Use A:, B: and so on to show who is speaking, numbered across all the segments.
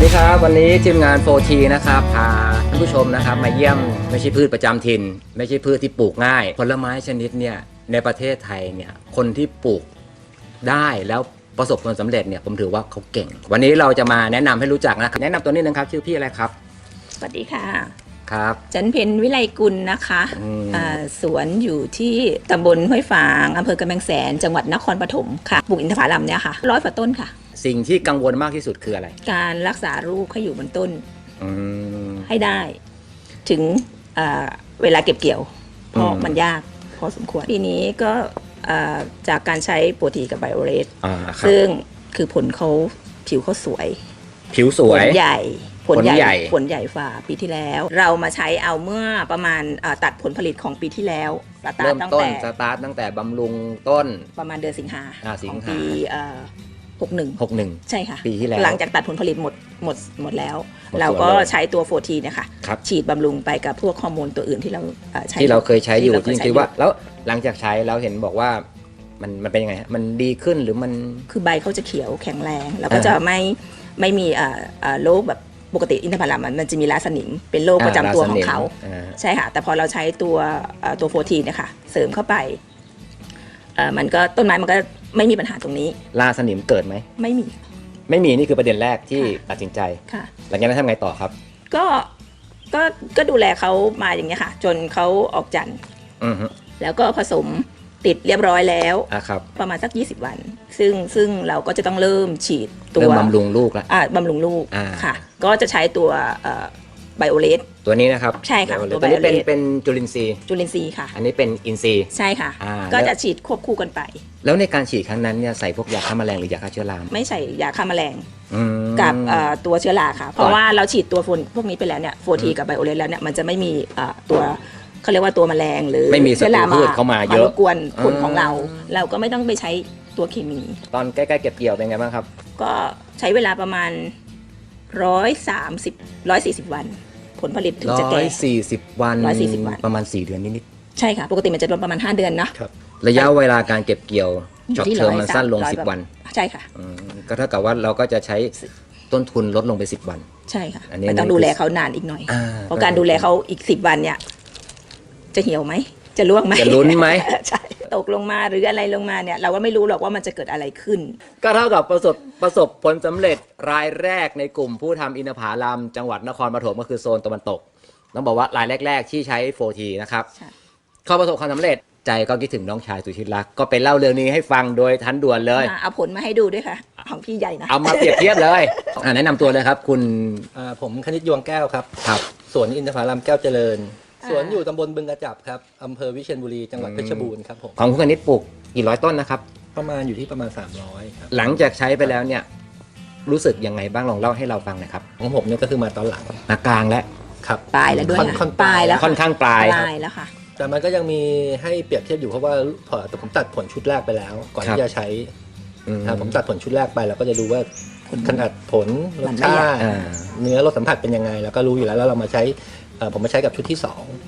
A: ดีครับวันนี้ทีมงาน 4T นะครับพาท่านผู้ชมนะครับมาเยี่ยมไม่ใช่พืชประจำถิ่นไม่ใช่พืชที่ปลูกง่ายผลไม้ชนิดเนี่ยในประเทศไทยเนี่ยคนที่ปลูกได้แล้วประสบความสำเร็จเนี่ยผมถือว่าเขาเก่งวันนี้เราจะมาแนะนำให้รู้จักนะครับแนะนำตัวนี้นึงครับชื่อพี่อะไรครับ
B: สวัสดีค่ะ
A: ครับ
B: จันเพ็ญวิไลกุลนะคะสวนอยู่ที่ตำบลห้วยฝางอำเภอกำแพงแสนจังหวัดนครปฐมค่ะปลูกอินทผลัมเนี่ยค่ะ100 กว่าต้นค่ะ
A: สิ่งที่กังวลมากที่สุดคืออะไร
B: การรักษาลูกให้อยู่บนต้นให้ได้ถึงเวลาเก็บเกี่ยวเพราะมันยากพอสมควรปีนี้ก็จากการใช้โปรตีกับไบโอเรสซึ่งคือผลเขาผิวเขาสวย
A: ผิวสวย
B: ผลใหญ่ผลใหญ่ฝ่าปีที่แล้วเรามาใช้เอาเมื่อประมาณตัดผลผลิตของปีที่แล้ว
A: เริ่มต้นสตาร์ทตั้งแต่บำรุงต้น
B: ประมาณเดือนสิงหาของปี61ใช่ค่ะ
A: ปีที่แล้ว
B: หลังจากตัดผลผลิตหมดแล้วเราก็ใช้ตัว4Tนะคะฉีดบำรุงไปกับพวกฮอร์โมนตัวอื่นที่เราใช้
A: ที่เราเคยใช้อยู่จริงๆว่าแล้วหลังจากใช้เราเห็นบอกว่ามันเป็นยังไงมันดีขึ้นหรือมัน
B: คือใบเขาจะเขียวแข็งแรงแล้วก็จะไม่มีโรคแบบปกติอินทผลัมมันจะมีราสนิมเป็นโรคประจำตัวของเขาใช่ค่ะแต่พอเราใช้ตัว4Tเนี่ยค่ะเสริมเข้าไปมันก็ต้นไม้มันก็ไม่มีปัญหาตรงนี้
A: ราสนิมเกิดไหม
B: ไม่มี
A: นี่คือประเด็นแรกที่ตัดสินใจ
B: ค่ะ
A: หลังจากนั้นทำไงต่อครับ
B: ก็ดูแลเขามาอย่างเงี้ยค่ะจนเขาออกจันทร์แล้วก็ผสมติดเรียบร้อยแล้วประมาณสัก20 วันซึ่งเราก็จะต้องเริ่มฉีดตัว
A: บำรุงลูกแล้ว
B: บำรุงลูกค่ะก็จะใช้ตัวไบโอเลส
A: ตัวนี้นะครับ
B: ใช่ค่ะ
A: ตัวนี้เป็นจุลินทรีย์
B: ค่ะ
A: อันนี้เป็นอินทรีย์
B: ใช่ค่ะก็จะฉีดควบคู่กันไป
A: แล้วในการฉีดครั้งนั้นเนี่ยใส่พวกยาฆ่าแมลงหรือยาฆ่าเชื้อรา
B: ไม่ใส่ยาฆ่าแมลงกับตัวเชื้อราค่ะเพราะว่าเราฉีดตัวพวกนี้ไปแล้วเนี่ย4Tกับไบโอเลสแล้วเนี่ยมันจะไม่มีตัวเขาเรียกว่าตัวแมลงหรือ
A: ไม่มีเชื้อราเข้ามาเยอะ
B: รบกวนผลของเราก็ไม่ต้องไปใช้ตัวเคมี
A: ตอนใกล้ๆเก็บเกี่ยวเป็นไงบ้างครับ
B: ก็ใช้เวลาประมาณ140 วันผลผลิตถึงจะแก่
A: 140 วันประมาณ4 เดือนนิด
B: ๆใช่ค่ะปกติมันจะประมาณ5 เดือนนะครับ
A: ระยะเวลาการเก็บเกี่ยวช็อตเทอมมันสั้นลง10 วัน
B: ใช่ค่ะ
A: ก็เท่ากับว่าเราก็จะใช้ต้นทุนลดลงไป10 วัน
B: ใช่ค่ะไม่ต้องดูแลเขานานอีกหน่อยเพราะการดูแลเขาอีก10 วันเนี่ยจะเหี่ยวไหมจะร่วงไหม
A: จะลุ้นไหม
B: ใช่ตกลงมาหรืออะไรลงมาเนี่ยเราก็ไม่รู้หรอกว่ามันจะเกิดอะไรขึ้น
A: ก็เท่ากับประสบผลสำเร็จรายแรกในกลุ่มผู้ทำอินทผลัมจังหวัดนครปฐมก็คือโซนตะวันตกต้องบอกว่ารายแรกๆที่ใช้ 4T นะครับเขาประสบความสำเร็จใจก็คิดถึงน้องชายสุชิตรักก็ไปเล่าเรื่องนี้ให้ฟังโดยทันด่วนเลย
B: เอาผลมาให้ดูด้วยค่ะของพี่ใหญ่นะ
A: เอามาเปรียบเทียบเลยแนะนำตัวเลยครับคุณ
C: ผมคณิตยวงแก้วครับสวนอินทผลัมแก้วเจริญสวนอยู่ตำบลบึงกระจับครับอำเภอวิเชียรบุรีจังหวัดเพชรบูรณ์ครับผม
A: ของคุณคณิตปลูกกี่ร้อยต้นนะครับ
C: ประมาณอยู่ที่ประมาณ300ครับ
A: หลังจากใช้ไปแล้วเนี่ยรู้สึกยังไงบ้างลองเล่าให้เราฟังหน่อยครับ
C: ของผมเนี่ยก็คือมาตอนหลัง
A: กลางแล้ว
C: ครับ
B: ปลายแล้วด้วย
C: ปลายแล้ว
A: ค่อนข้างปลาย
B: แล้วค่ะ
C: แต่มันก็ยังมีให้เปรียบเทียบอยู่เพราะว่าผมตัดผลชุดแรกไปแล้วก่อนที่จะใช้ผมตัดผลชุดแรกไปแล้วก็จะดูว่าขนาดผลรสชาติเนื้อรสสัมผัสเป็นยังไงแล้วก็รู้อยู่แล้วเรามาใช้ผมมาใช้กับชุดที่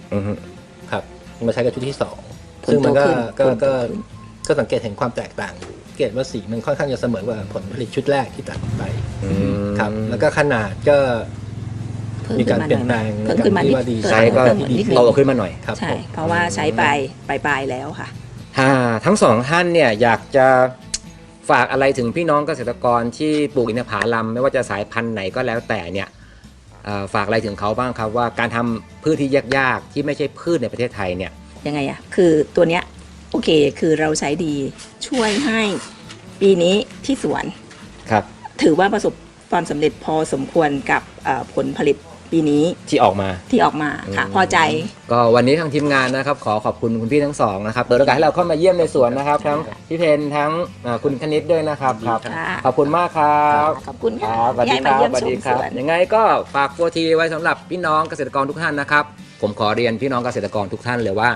C: 2ครับมาใช้กับชุดที่2ซึ่งมันก็สังเกตเห็นความแตกต่างอยู่สังเกตว่าสีมันค่อนข้างจะเสมอกว่าผลผลิตชุดแรกที่ตัดไปครับแล้วก็ขนาดก็มีการเปลี่ยนแปลง
B: ที่
A: ว่าดีไซน์ก็โตขึ้นมาหน่อย
B: ครับใช่เพราะว่าใช้ไปปลายแล้วค่ะ
A: ทั้งสองท่านเนี่ยอยากจะฝากอะไรถึงพี่น้องเกษตรกรที่ปลูกอินทผลัมไม่ว่าจะสายพันธุ์ไหนก็แล้วแต่เนี่ยฝากอะไรถึงเขาบ้างครับว่าการทำพืชที่ยากๆที่ไม่ใช่พืชในประเทศไทยเนี่ย
B: ยังไงคือตัวเนี้ยโอเคคือเราใช้ดีช่วยให้ปีนี้ที่สวน
A: ครับ
B: ถือว่าประสบความสำเร็จพอสมควรกับผลผลิตปีนี้
A: ที่ออกมา
B: ค่ะพอใจ
A: ก็วันนี้ทางทีมงานนะครับขอบคุณคุณพี่ทั้งสองนะครับเปิดโอกาสให้เราเข้ามาเยี่ยมในสวนนะครับทั้งพี่เพนทั้งคุณคณิตด้วยนะครับขอบคุณมากครับ
B: ขอบคุณค่ะ
A: สวัสดีครับยังไงก็ฝาก4Tไว้สำหรับพี่น้องเกษตรกรทุกท่านนะครับผมขอเรียนพี่น้องเกษตรกรทุกท่านเลยว่า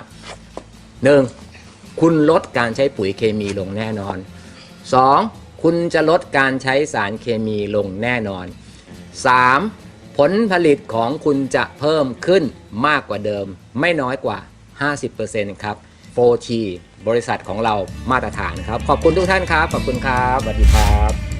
A: 1. คุณลดการใช้ปุ๋ยเคมีลงแน่นอน 2. คุณจะลดการใช้สารเคมีลงแน่นอน 3. ผลผลิตของคุณจะเพิ่มขึ้นมากกว่าเดิมไม่น้อยกว่า 50% ครับ 4T บริษัทของเรามาตรฐานครับขอบคุณทุกท่านครับขอบคุณครับสวัสดีครับ